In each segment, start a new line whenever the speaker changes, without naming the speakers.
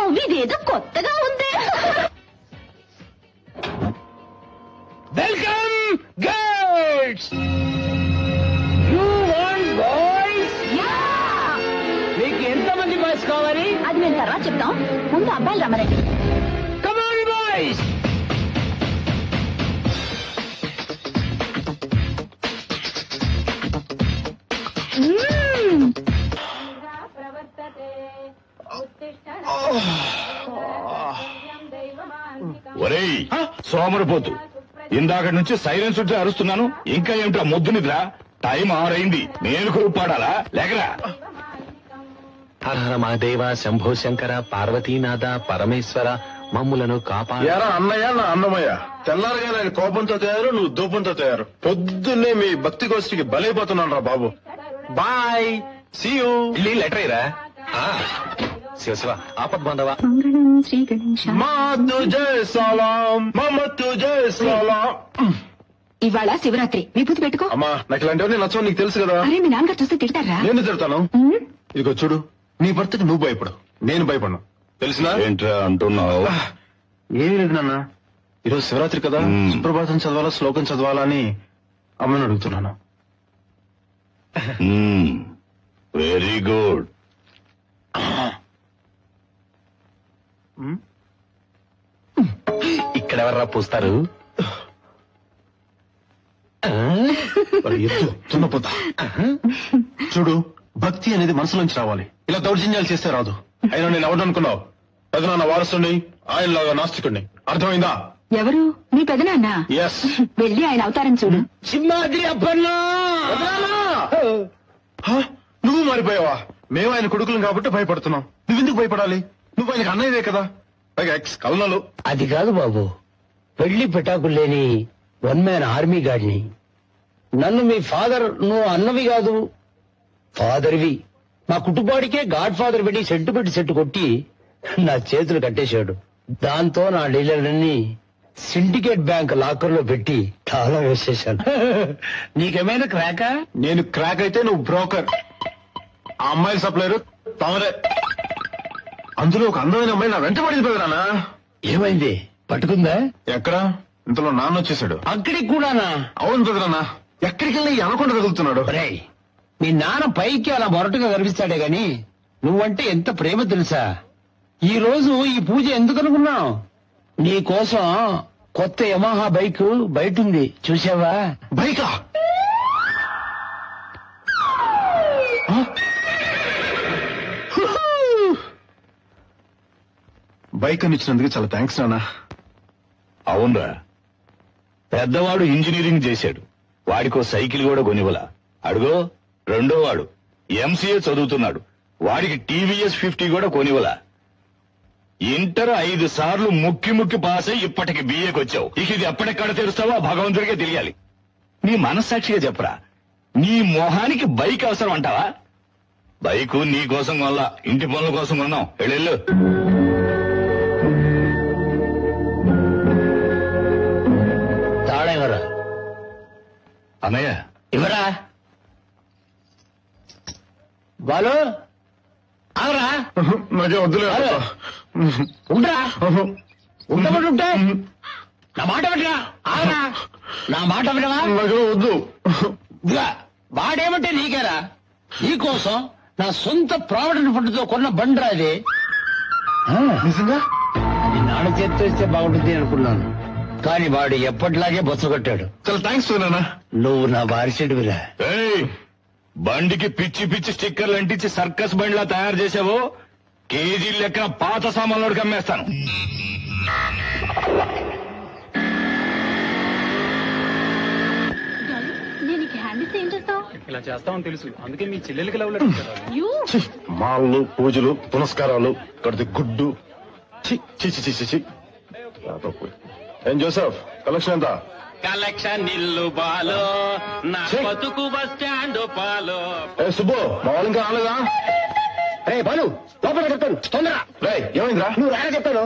ఇదేదో కొత్తగా ఉంది.
Welcome girls. You want boys? మీకు ఎంతమంది బాయ్స్ కావాలి?
అది మేము తర్వాత చెప్తాం, ముందు అబ్బాయిలు రమ్మరండి.
Come on boys.
ఒరేయ్ సోమరిపోతు, ఇందాక నుంచి సైలెన్స్ ఉంటే అరుస్తున్నాను, ఇంకా ఏమిటా మొద్దు నిద్ర? టైం 6 అయింది, నేను కొరుపాడాలా? లేకరా.
హర హర మహాదేవ, శంభో శంకర, పార్వతీనాథ, పరమేశ్వర, మమ్ములను
ఎరా అన్నయ్య, నా అన్నమయ్య, తెల్లారగా నేను కోపంతో తయారు, నువ్వు దూపంతో తయారు. పొద్దున్నే మీ భక్తి గోష్ఠికి బలైపోతున్నాను రా బాబు.
Bye, see you. లెటర్ ఇరా. శివ శివ, ఆపద్ బాంధవ.
శ్రీ గణేశ.
మా తుజే సలాం, మమ తుజే సలాం.
ఇవాళ శివరాత్రి, విభూతి పెట్టుకో.
అమ్మా, నాకు ఇలాంటివన్నీ నచ్చవు, నీకు తెలుసు కదా.
అరే, మీ నాన్నగారు చూస్తే తిడతారా?
నేను తిడతాను. ఇదిగో చూడు, నీ భర్తకి నువ్వు భయపడు, నేను భయపడను, తెలిసినా?
ఏంట్రా అంటున్నావు?
ఏమీ లేదు నాన్న, ఈరోజు శివరాత్రి కదా, సుప్రభాతం చదవాలా, శ్లోకం చదవాలా అని అమ్మని అడుగుతున్నాను.
Very good.
ఇక్కడెవర్రా పూస్తారు?
తున్నపోతా. చూడు, భక్తి అనేది మనసులోంచి రావాలి, ఇలా దౌర్జన్యాలు చేస్తే రాదు. అయినా నేను ఎవరు అనుకున్నావు? పెదనాన్న వారసుని, ఆయనలాగా నాస్తికుడిని, అర్థమైందా?
ఎవరు? మీ పెదనాన్న?
ఎస్.
వెళ్ళి ఆయన అవతారం చూడు.
సింహాద్రి అప్పన్నా.
నువ్వు మారిపోయావా? మేము ఆయన కొడుకులం కాబట్టి భయపడుతున్నాం, నువ్వెందుకు భయపడాలి? నువ్వు ఆయనకు అన్నయ్యవే కదా, పైగా ఎక్స్ కల్నలు.
అది కాదు బాబు, పెళ్లి పెటాకులు లేని 1 మ్యాన్ ఆర్మీ గాడిని. నన్ను మీ ఫాదర్, నువ్వు అన్నవి కాదు ఫాదర్వి. మా కుటుంబానికే గాడ్ ఫాదర్ పెట్టి సెట్ కొట్టి నా చేతులు కట్టేశాడు. దాంతో నా డీలర్లన్నీ సిండికేట్ బ్యాంక్ లాకర్ లో పెట్టి తాళం వేసేశాను. నీకేమైనా క్రాకా?
నేను క్రాక్ అయితే నువ్వు బ్రోకర్, ఆ అమ్మాయిల సప్లైరు తమరే. అందులో ఒక అందమైన అమ్మాయి నా వెంట పడింది పెదనాన్న.
ఏమైంది? పట్టుకుందా?
ఎక్కడ? ఇంతలో నాన్న వచ్చేసాడు.
అక్కడికి కూడానా?
అవును పెదనాన్న, ఎక్కడికి వెళ్ళి అనకుండా తగులుతున్నాడు.
ఒరేయ్, మీ నాన్న పైకి అలా మొరటుగా కనిపిస్తాడే గాని నువ్వంటే ఎంత ప్రేమ తెలుసా? ఈ రోజు ఈ పూజ ఎందుకు అనుకున్నావు? నీ కోసం కొత్త యమహా బైక్ బయట ఉంది, చూసావా?
బైకా? బైక్ అని ఇచ్చినందుకు చాలా థ్యాంక్స్ నాన్న.
అవునరా, పెద్దవాడు ఇంజనీరింగ్ చేశాడు, వాడికో సైకిల్ కూడా కొనివ్వలా. అడుగో రెండో వాడు ఎంసీఏ చదువుతున్నాడు, వాడికి టీవీఎస్ 50 కూడా కొనివ్వలా. ఇంటర్ 5 సార్లు ముక్కి పాస్ అయి ఇప్పటికి బిఏకి వచ్చావు. ఇక ఇది ఎప్పటిక్కడ తెరుస్తావో భగవంతుడికే తెలియాలి. నీ మనస్సాక్షిగా చెప్పరా, నీ మొహానికి బైక్ అవసరం అంటావా? బైకు నీ కోసం కొనలా, ఇంటి పనుల కోసం కొన్నాం. వెళ్ళు.
తాళం ఎవరా?
అన్నయ్య
ఇవరా బాలు, అవరా
నాకే వద్దులే.
ఉండరా, ఉండబడుంటే నా మాట వినరా? ఆగరా, నా మాట వినవా?
నాకే వద్దు.
ఇదిగా వాడేమంటే నీకేరా, నీకోసం నా సొంత ప్రావిడెంట్ ఫండ్ తో కొన్న బండ్రా అది.
నిజంగా?
అది నాన్న చేతితో ఇస్తే బాగుంటుంది అనుకున్నాను, కానీ వాడు ఎప్పటిలాగే బొచ్చగొట్టాడు.
చాలా థ్యాంక్స్ నాన్న.
నువ్వు నా బారిచెడువిరా.
ఏయ్, బండికి పిచ్చి స్టిక్కర్లు అంటించి సర్కస్ బండిలా తయారు చేసావో కేజీ లెక్కన పాత సామాన్లోకి అమ్మేస్తాను.
నేను హ్యాండ్ ఇస్తే ఏం చేస్తావు?
ఇలా చేస్తామని తెలుసు, అందుకే మీ చెల్లెలకి లవ్ లెటర్ ఇచ్చారు.
మాళ్ళు, పూజలు, పునస్కారాలు, కడితే గుడ్డు. ఛీ, ఛీ, ఛీ, ఛీ, ఛీ, ఛీ. ఏం జోసెఫ్, కలెక్షన్ ఎంత?
కలెక్షన్ నిల్లు బాలో, నా బతుకు బస్ స్టాండ్ పాలో.
ఏ సుబ్బు, మా వాళ్ళు ఇంకా రాలేదా?
రే బాలు, లోపల చెప్తాను, తొందర.
రే ఏమైందిరా?
నువ్వు రాగా చెప్తాను,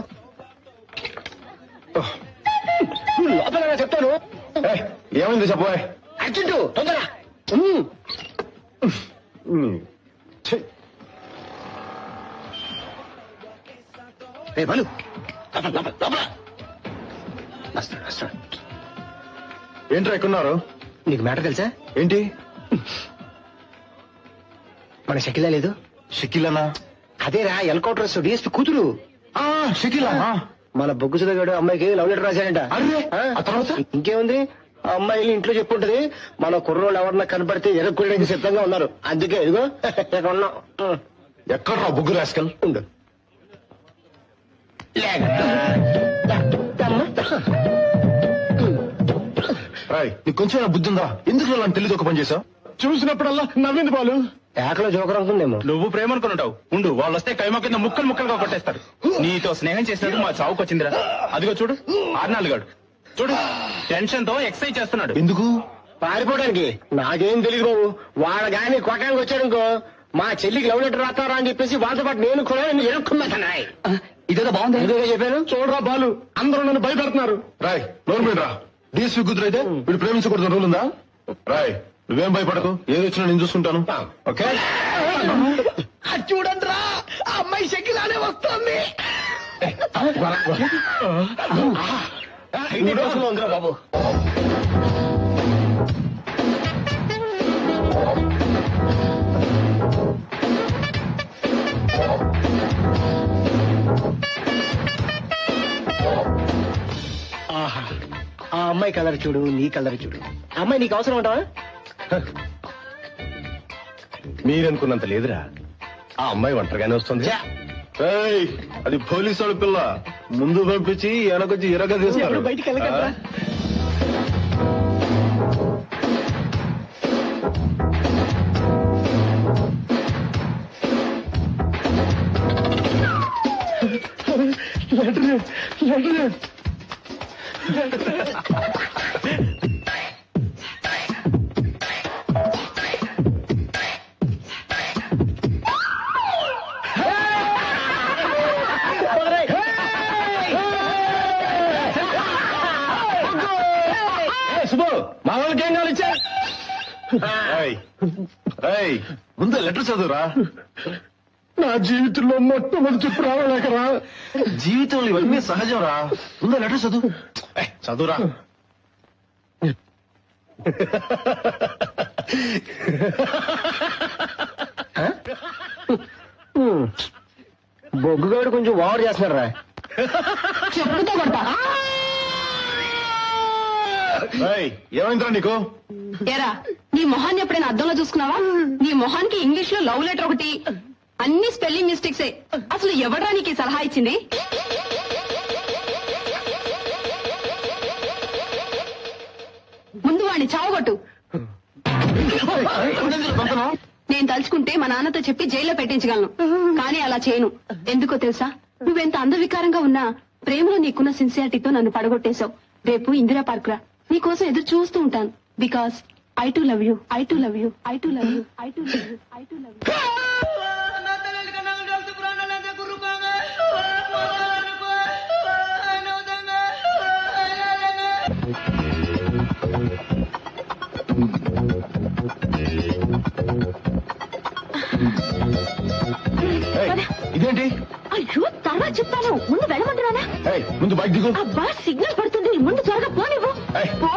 నువ్వు లోపల చెప్తాను.
ఏమైంది చెప్పబోయ్?
అర్జెంటు, తొందర.
ఛీ.
రే బలు
ఏంట్రా ఎక్కున్నారు?
నీకు మ్యాటర్ తెలుసా?
ఏంటి?
మన షకిలా లేదు?
షకీలనా?
అదేరా ఎన్కౌంటర్ డిఎస్పీ కూతురు.
షకీలా?
మన బొగ్గు సుధగాడు అమ్మాయికి లవ్ లెటర్ రాశాడంట.
అరే, ఆ తర్వాత?
ఇంకేముంది, ఆ అమ్మాయి ఇంట్లో చెప్పుంటది మన కుర్రోళ్ళు ఎవరన్నా కనపడితే ఎరగొట్టడానికి సిద్ధంగా ఉన్నారు. అందుకే ఇదిగో ఇక్కడ ఉన్నాం.
ఎక్కడ్రా బుగ్గు రాస్కల్?
ఉండు.
రాయ్, నీకు కొంచెం బుద్ధి ఉందా? ఎందుకు నన్ను తెలియదు ఒక పని చేసావు? చూసినప్పుడల్లా నవ్వింది బాలు.
ఏకలో జోకర్ అనుకుందేమో.
నువ్వు ప్రేమ అనుకుంటావు. ఉండు, వాళ్ళు వస్తే కైమా కింద ముక్కలు ముక్కలుగా కొట్టేస్తారు. నీతో స్నేహం చేసినట్టు మా చావుకు వచ్చిందిరా. అదిగో చూడు, ఆర్నాలుగాడు చూడు, టెన్షన్ తో ఎక్సర్సైజ్ చేస్తున్నాడు.
ఎందుకు?
పారిపోవడానికి. నాకేం తెలియదు బాబు. వాళ్ళ గాని కొట్టడానికి వచ్చాడనుకో, మా చెల్లికి లవ్ లెటర్ రాస్తారా అని చెప్పేసి వాళ్ళతో పాటు నేను కూడా ఎరుక్కున్నాయి.
ఇదేదో బాగుంది.
ఎందుకు చెప్పాను?
చూడరా బాలు, అందరూ నన్ను భయపెడుతున్నారు. రాయ్, నోరు మీద రా. డిఎస్పీ కూతురు అయితే వీడు ప్రేమించకూడదు రూల్ ఉందా? రాయ్, నువ్వేం భయపడకు, ఏది వచ్చినా నేను చూసుకుంటాను. ఓకే?
చూడండి రా, ఆ అమ్మాయి షకిలానే వస్తుంది. ఉందిరా బాబు. ఆహా, ఆ అమ్మాయి కలర్ చూడు, నీ కలర్ చూడు. ఆ అమ్మాయి నీకు అవసరం ఉంటావా?
మీరనుకున్నంత లేదురా. ఆ అమ్మాయి ఒంటరిగానే వస్తుంది. ఏయ్, అది పోలీసు వాళ్ళ పిల్ల. ముందు పంపించి వెనకొచ్చి ఎరగా తీస్తారు.
ఎప్పుడు బయటికి వెళ్ళగలరా?
శుభు, మా వాళ్ళకి ఏం కావాలి ఇచ్చా? ముందు లెటర్ చదువురా. నా జీవితంలో మొట్టమొదటి రావలేకరా. జీవితంలో ఇవన్నీ సహజం రా. ముందు లెటర్ చదువు. చదువురా.
బొగ్గుగాడు కొంచెం ఓవర్ చేస్తున్నారా?
చెప్పుతో కొడతా.
ఏమైందిరా నీకు?
ఎరా, నీ మొహాన్ని ఎప్పుడైనా అద్దంలో చూసుకున్నావా? నీ మొహానికి ఇంగ్లీష్ లో లవ్ లెటర్ ఒకటి, అన్ని స్పెల్లింగ్ మిస్టేక్సే. అసలు ఎవడ్రా నీకు ఈ సలహా ఇచ్చింది? ముందు వాడిని చావగొట్టు. నేను తలుచుకుంటే మా నాన్నతో చెప్పి జైల్లో పెట్టించగలను, కానీ అలా చేయను. ఎందుకో తెలుసా? నువ్వెంత అందవికారంగా ఉన్నా ప్రేమలో నీకున్న సిన్సియారిటీతో నన్ను పడగొట్టేశావు. రేపు ఇందిరా పార్క్ రా, నీకోసం ఎదురు చూస్తూ ఉంటాను. Because I too love you, I too love you, I too love you, I too love you, I too love you.
ఇదేంటి?
అయ్యో, తర్వాత చెప్తాను, ముందు వెళ్ళమంటున్నానా?
ముందు బైక్ దిగు.
అబ్బా, సిగ్నల్ పడుతుంది, ముందు త్వరగా పోనివ్వు. పో.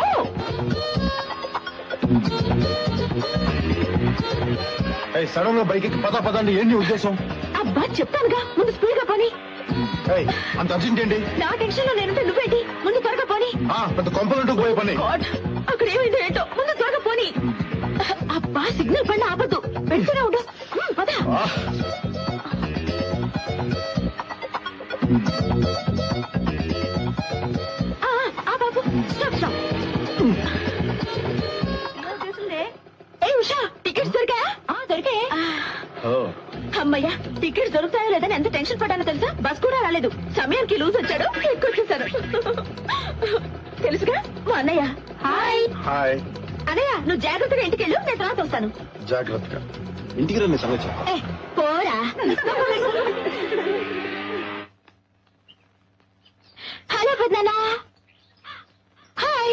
సడన్ గా బైక్ ఎక్కి పదండి. ఏంటి ఉద్దేశం?
అబ్బా, చెప్తానుగా, ముందు స్పీడ్ గా పోని.
అంత అర్జెంట్ ఏంటి?
నా టెన్షన్ లో నేనుంటే నువ్వేంటి? ముందు త్వరగా పోని.
పెద్ద కొంపలంటూ పోయే పని.
గాడ్, అక్కడ ఏమైందో ఏంటో, ముందు త్వరగా పోని. అబ్బా, సిగ్నల్ పడిన ఆపద్దు, పెడుతూనే ఉండు. పద. బాబు, స్టాప్ స్టాప్. ఏ ఉషా, టికెట్స్ దొరికా? దొరికాయే. అమ్మయ్యా, టికెట్స్ దొరుకుతాయో లేదని ఎంత టెన్షన్ పడ్డానో తెలుసా? బస్ కూడా రాలేదు, సమయానికి లూజ్ వచ్చాడు, ఎక్కొచ్చేసారు. తెలుసుగా మా అన్నయ్య. హాయ్.
హాయ్
అన్నయ్య, నువ్వు జాగ్రత్తగా ఇంటికి వెళ్ళు, నేను తర్వాత వస్తాను.
జాగ్రత్తగా ఇంటికి రండి. సంగతి చెప్తా.
పోరా. హలో పెద్దనా. హాయ్.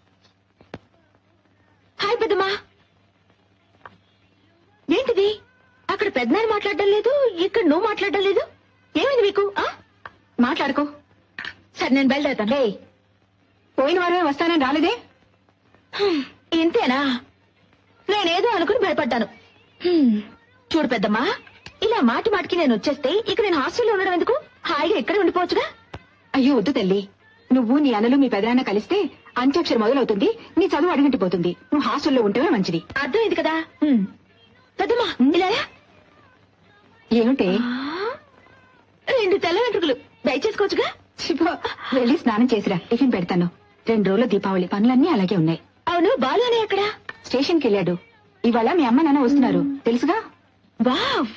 హాయ్ పెద్దమ్మా. ఏంటిది? పెద్దనాన్న మాట్లాడడం లేదు, ఇక్కడ నువ్వు మాట్లాడడం లేదు. ఏమైంది మీకు? మాట్లాడుకో. సరే నేను బయలుదేరుతాను. పోయిన వారమే వస్తానని రాలేదే? ఇంతేనా? నేనేదో అనుకుని భయపడ్డాను. చూడు పెద్దమ్మా, ఇలా మాటి మాటికి నేను వచ్చేస్తే ఇక నేను హాస్టల్లో ఉండడం ఎందుకు? హాయిగా ఇక్కడే ఉండిపోవచ్చుగా. అయ్యో వద్దు తల్లి, నువ్వు నీ అన్నలు మీ పెదనాన్న కలిస్తే అంత్యాక్షరి మొదలవుతుంది, నీ చదువు అడిగంటిపోతుంది. నువ్వు హాస్టల్లో ఉంటేనే మంచిది. అర్థమైంది కదా? పెద్దమ్మా ఇలా ఏమిటే? 2 తెల్ల వెంట్రుకలు దయచేసుకోవచ్చుగా. వెళ్ళి స్నానం చేసిరా, టిఫిన్ పెడతాను. 2 రోజుల దీపావళి పనులన్నీ అలాగే ఉన్నాయి. అవును, బాలు అని ఎక్కడ? స్టేషన్కి వెళ్ళాడు. ఇవాళ మీ అమ్మ నాన్న వస్తున్నారు తెలుసుగా. వావ్,